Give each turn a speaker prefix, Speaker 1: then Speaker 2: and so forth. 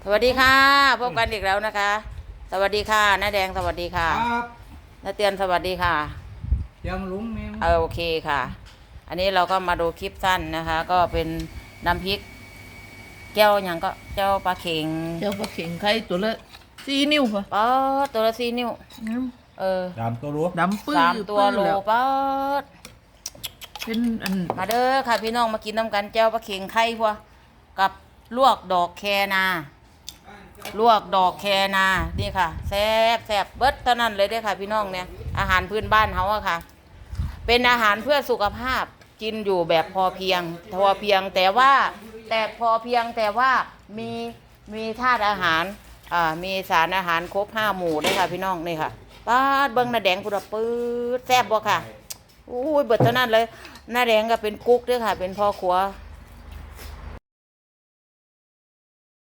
Speaker 1: สวัสดีค่ะพบกันอีกแล้วนะคะ สวัสดีค่ะน้าแดงสวัสดีค่ะ
Speaker 2: ครับ
Speaker 1: น้าเตียนสวัสดีค่ะ
Speaker 2: ยังลุงนี่
Speaker 1: โอเคค่ะ อันนี้เราก็มาดูคลิปสั้นนะคะ ก็เป็นน้ำพริกแก้วอย่างก็แก้วปลาเข็ง
Speaker 3: เจ้าปลาเข็งไข่ตัวละ4 นิ้วป่ะ
Speaker 1: ป๊อดตัวละ4 นิ้ว
Speaker 2: ตามตัวรู้
Speaker 3: ดำปื้อ
Speaker 1: 3 ตัวโล
Speaker 3: แล้ว
Speaker 1: ป๊อด
Speaker 3: เป็นอัน
Speaker 1: มาเด้อค่ะพี่น้องมากินน้ำกันแก้วปลาเข็งไข่พวกกับลวกดอกแคนาลวกดอกแคนานี่ค่ะแซ่บแซ่บเบิดเท่านั้นเลยเด้อค่ะพี่น้องเนี่ยอาหารพื้นบ้านเขาอะค่ะ เป็นอาหารเพื่อสุขภาพกินอยู่แบบพอเพียงแต่ว่าพอเพียงแต่ว่ามีธาตุอาหารมีสารอาหารครบ5 หมู่ด้วยค่ะพี่น้องนี่ค่ะป้าดเบิ้งหน้าแดงพุดปื๊ดแซ่บบ่ค่ะอุ้ยเบิดเท่านั้นเลยหน้าแดงก็เป็นกุ๊กด้วยค่ะเป็นพ่อครัว